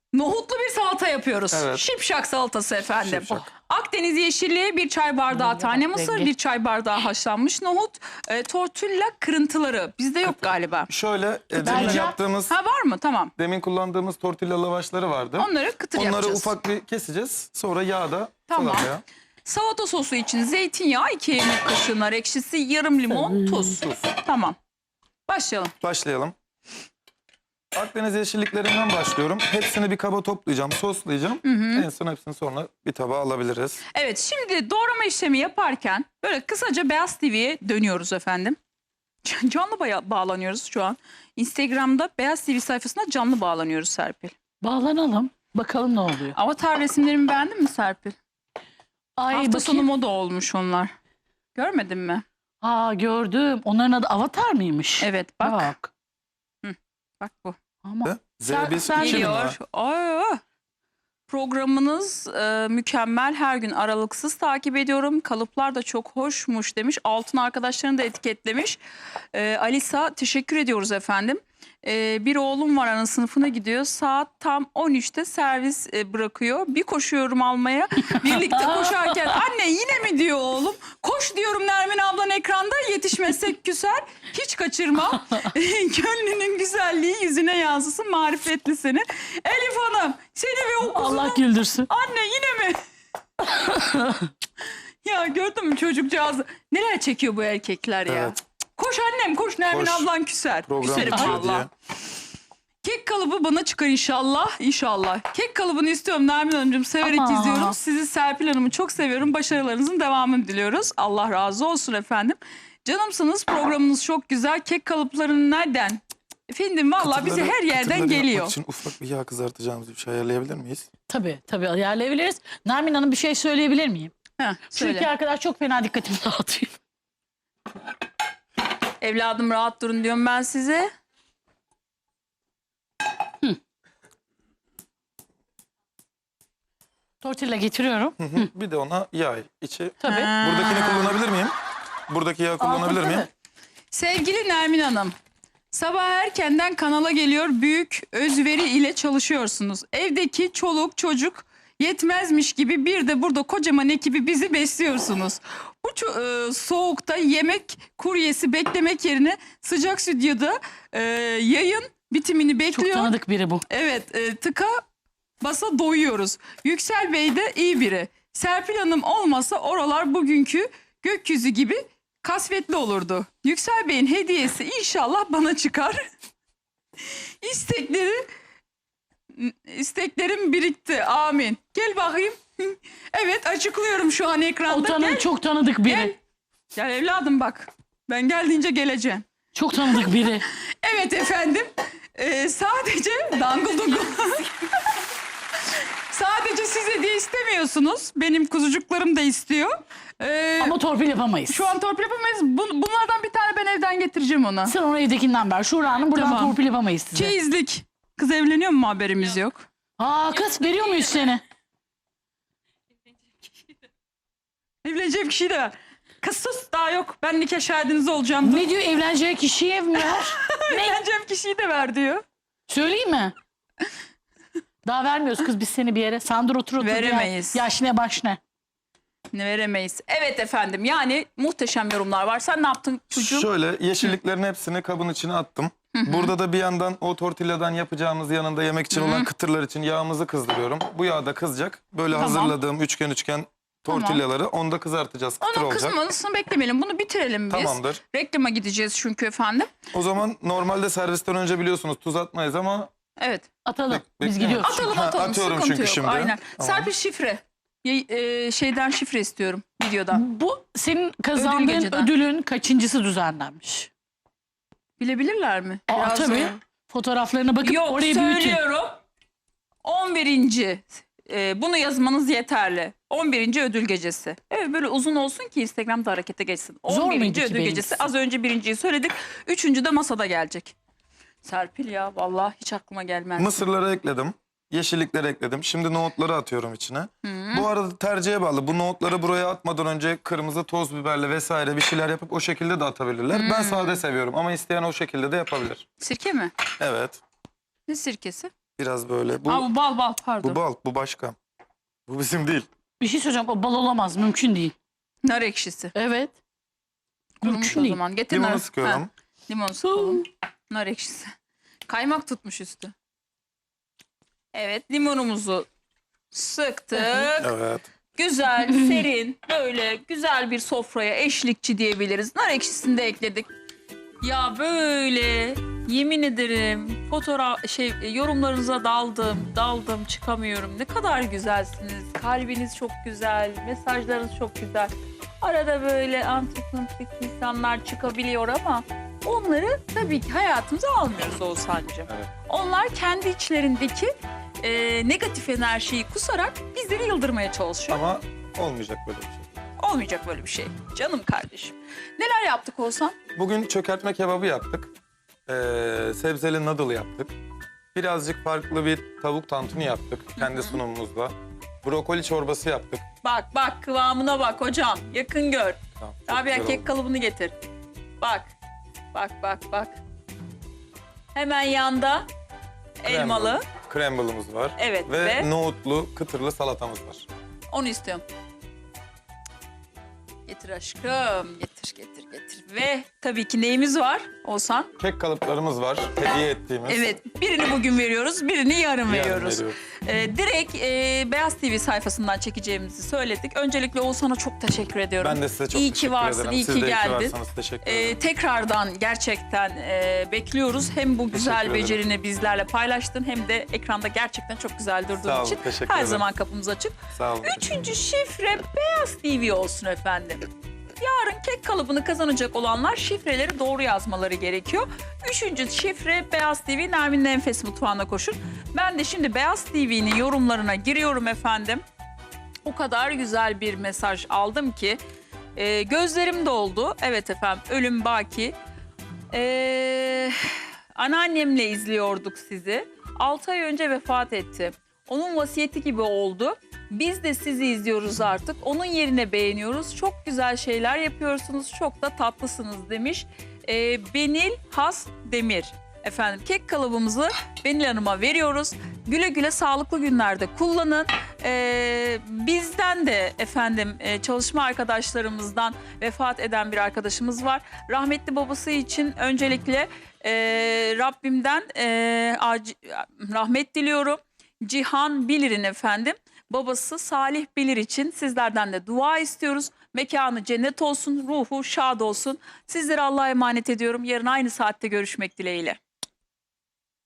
Nohutlu bir salata yapıyoruz. Evet. Şipşak salatası efendim. Şipşak. Akdeniz yeşilliği, 1 çay bardağı Renge tane bak, mısır, renge. 1 çay bardağı haşlanmış nohut, tortilla kırıntıları. Bizde yok galiba. Şöyle demin Bence- yaptığımız, Ha var mı? Tamam. demin kullandığımız tortilla lavaşları vardı. Onları kıtır Onları yapacağız. ufak bir keseceğiz. Sonra yağda Tamam. salataya. Salata sosu için zeytinyağı, 2 yemek kaşığı nar ekşisi, yarım limon, tuz. Tamam. Başlayalım. Başlayalım. Akdeniz yeşilliklerinden başlıyorum. Hepsini bir kaba toplayacağım, soslayacağım. En son hepsini sonra bir tabağa alabiliriz. Evet, şimdi doğrama işlemi yaparken böyle kısaca Beyaz TV'ye dönüyoruz efendim. Canlı bağlanıyoruz şu an. Instagram'da Beyaz TV sayfasına canlı bağlanıyoruz Serpil. Bağlanalım. Bakalım ne oluyor. Avatar resimlerimi beğendin mi Serpil? Ay Hafta sonu bakayım. moda olmuş onlar. Görmedin mi? Aa gördüm. Onların adı Avatar mıymış? Evet bak. Bak. Bak bu. Ama Zeybis sen 2000 lira. Geliyor. Aa, programınız mükemmel. Her gün aralıksız takip ediyorum. Kalıplar da çok hoşmuş demiş. Altın arkadaşlarını da etiketlemiş. Alisa teşekkür ediyoruz efendim. Bir oğlum var, ana sınıfına gidiyor. Saat tam 13'te servis bırakıyor. Bir koşuyorum almaya. Birlikte koşarken anne yine mi diyor oğlum. Koş diyorum Nermin ablan ekranda, yetişmezsek küser. Hiç kaçırma. Gönlünün güzelliği yüzüne yansısın, marifetli seni. Elif Hanım seni ve o kuzunu. Allah güldürsün. Anne yine mi? Ya gördün mü çocukcağızı? Neler çekiyor bu erkekler ya. Evet. Koş annem koş, Nermin Koş. ablan küser. Program Küserim bitiyor diye. valla. Kek kalıbı bana çıkar inşallah. İnşallah. Kek kalıbını istiyorum Nermin Hanımcığım. Severek Ama. izliyorum. Sizi Serpil Hanım'ı çok seviyorum. Başarılarınızın devamını diliyoruz. Allah razı olsun efendim. Canımsınız, programınız çok güzel. Kek kalıplarını nereden? Efendim valla bize her yerden Kıtırları geliyor. yapmak için ufak bir yağ kızartacağımız bir şey ayarlayabilir miyiz? Tabii ayarlayabiliriz. Nermin Hanım bir şey söyleyebilir miyim? Heh, söyle. Çünkü arkadaş çok fena dikkatimi dağıtıyor. Evladım rahat durun diyorum ben size. Tortilla getiriyorum. Bir de ona yağ içi. Tabii. Buradakini kullanabilir miyim? Buradaki yağı kullanabilir miyim? Sevgili Nermin Hanım, sabah erkenden kanala geliyor, büyük özveri ile çalışıyorsunuz. Evdeki çoluk çocuk yetmezmiş gibi bir de burada kocaman ekibi bizi besliyorsunuz. Bu soğukta yemek kuryesi beklemek yerine sıcak stüdyoda yayın bitimini Çok bekliyor. tanıdık biri bu. Evet, tıka basa doyuyoruz. Yüksel Bey de iyi biri. Serpil Hanım olmasa oralar bugünkü gökyüzü gibi kasvetli olurdu. Yüksel Bey'in hediyesi inşallah bana çıkar. İsteklerim birikti. Amin. Gel bakayım. Evet, açıklıyorum şu an ekranda. Gel. Çok tanıdık biri. Gel. Gel evladım bak. Ben geldiğince geleceğim. Çok tanıdık biri. Evet efendim. Sadece dangıl dungul. Sadece siz hediye istemiyorsunuz. Benim kuzucuklarım da istiyor. Ama torpil yapamayız. Şu an torpil yapamayız. Bunlardan bir tane ben evden getireceğim ona. Sen onu evdekinden ver. Şura Hanım buradan Tamam. torpil yapamayız size. Çeyizlik. Kız evleniyor mu, haberimiz yok. Aa kız veriyor muyuz seni? Evleneceğim kişiyi de ver. Kız sus, daha yok. Ben nikah şahidiniz olacağım. Ne diyor evleneceği kişiye mi ver? Evleneceğim kişiyi de ver diyor. Söyleyeyim mi? Daha vermiyoruz kız biz seni bir yere. Sandır otur. Veremeyiz. Yaş ne baş ne. Ne veremeyiz. Evet efendim, yani muhteşem yorumlar var. Sen ne yaptın çocuğum? Şöyle yeşilliklerin hepsini kabın içine attım. Burada da bir yandan o tortilladan yapacağımız yanında yemek için olan kıtırlar için yağımızı kızdırıyorum. Bu yağ da kızacak. Böyle Tamam. hazırladığım üçgen tortillaları onu da kızartacağız. Kıtır Onun olacak. kısmını beklemeyelim. Bunu bitirelim biz. Tamamdır. Reklama gideceğiz çünkü efendim. O zaman normalde servisten önce biliyorsunuz tuz atmayız ama Evet. Atalım. Biz bekliyorum. gidiyoruz. Atalım Ha, atalım. atıyorum Sıkıntı çünkü yok. şimdi. Aynen. Tamam. Serpil şifre. Şeyden şifre istiyorum videodan. Bu senin kazandığın geceden. ödülün kaçıncısı düzenlenmiş? Bilebilirler mi? Aa, Biraz tabii. zor. Fotoğraflarına bakıp Yok, orayı büyütün. söylüyorum. 11. Bunu yazmanız yeterli. 11. ödül gecesi. Evet, böyle uzun olsun ki Instagram'da harekete geçsin. Zor 11. muydu ki ödül benimkisi? gecesi. Az önce birinciyi söyledik. 3. de masada gelecek. Serpil ya, vallahi hiç aklıma gelmez. mısırları ekledim. Yeşillikleri ekledim. Şimdi nohutları atıyorum içine. Bu arada tercihe bağlı. Bu nohutları buraya atmadan önce kırmızı toz biberle vesaire bir şeyler yapıp o şekilde de atabilirler. Ben sade seviyorum ama isteyen o şekilde de yapabilir. Sirke mi? Evet. Ne sirkesi? Biraz böyle. Bu, bu bal pardon. bu bal, bu başka. Bu bizim değil. Bir şey söyleyeceğim. O bal olamaz. Mümkün değil. Nar ekşisi. Evet. Kurumuş Mümkün o değil. zaman. Getir Limonu nar. sıkıyorum. Ha, limonu sıkalım. Nar ekşisi. Kaymak tutmuş üstü. Evet, limonumuzu sıktık. Evet. Güzel, serin, böyle güzel bir sofraya eşlikçi diyebiliriz. Nar ekşisini de ekledik. Ya böyle yemin ederim yorumlarınıza daldım çıkamıyorum. Ne kadar güzelsiniz. Kalbiniz çok güzel, mesajlarınız çok güzel. Arada böyle antik insanlar çıkabiliyor ama onları tabii ki hayatımıza almıyoruz Oğuzhan'cığım. Evet. Onlar kendi içlerindeki negatif enerjiyi kusarak bizleri yıldırmaya çalışıyor. Ama olmayacak böyle bir şey. Olmayacak böyle bir şey. Canım kardeşim. Neler yaptık Oğuzhan? Bugün çökertme kebabı yaptık. Sebzeli noodle yaptık. Birazcık farklı bir tavuk tantuni yaptık kendi sunumumuzda. Brokoli çorbası yaptık. Bak kıvamına bak hocam. Yakın gör. Tamam, çok Rabia güzel kek oldu. kalıbını getir. Bak. Hemen yanda elmalı. Cramble'ımız var. Evet, Ve ve nohutlu, kıtırlı salatamız var. onu istiyorum. Getir aşkım. Getir. Ve tabii ki neyimiz var Oğuzhan? Kek kalıplarımız var. Hediye ettiğimiz. Evet, birini bugün veriyoruz, birini yarın Yarın veriyoruz. veriyoruz. Direkt Beyaz TV sayfasından çekeceğimizi söyledik. Öncelikle Oğuzhan'a çok teşekkür ediyorum. Ben de size çok İyi ki teşekkür varsın, ederim. iyi Siz ki de iyi ki geldin. varsınız. Teşekkür ederim. Tekrardan gerçekten bekliyoruz. Hem bu güzel Teşekkür ederim. becerini bizlerle paylaştın hem de ekranda gerçekten çok güzel durduğun Sağ olun, için teşekkür her ederim. zaman kapımız açık. Sağ olun. Üçüncü şifre Beyaz TV olsun efendim. Yarın kek kalıbını kazanacak olanlar şifreleri doğru yazmaları gerekiyor. Üçüncü şifre Beyaz TV Nermin'in Enfes Mutfağı'na koşun. Ben de şimdi Beyaz TV'nin yorumlarına giriyorum efendim. O kadar güzel bir mesaj aldım ki gözlerim doldu. Evet efendim, ölüm baki. Anneannemle izliyorduk sizi. 6 ay önce vefat etti. Onun vasiyeti gibi oldu. Biz de sizi izliyoruz artık. Onun yerine beğeniyoruz. Çok güzel şeyler yapıyorsunuz. Çok da tatlısınız demiş. Benil Has Demir. Efendim kek kalıbımızı Benil Hanım'a veriyoruz. Güle güle sağlıklı günlerde kullanın. Bizden de efendim çalışma arkadaşlarımızdan vefat eden bir arkadaşımız var. Rahmetli babası için öncelikle Rabbimden rahmet diliyorum. Cihan Bilir'in efendim babası Salih Bilir için sizlerden de dua istiyoruz. Mekanı cennet olsun, ruhu şad olsun. Sizleri Allah'a emanet ediyorum. Yarın aynı saatte görüşmek dileğiyle.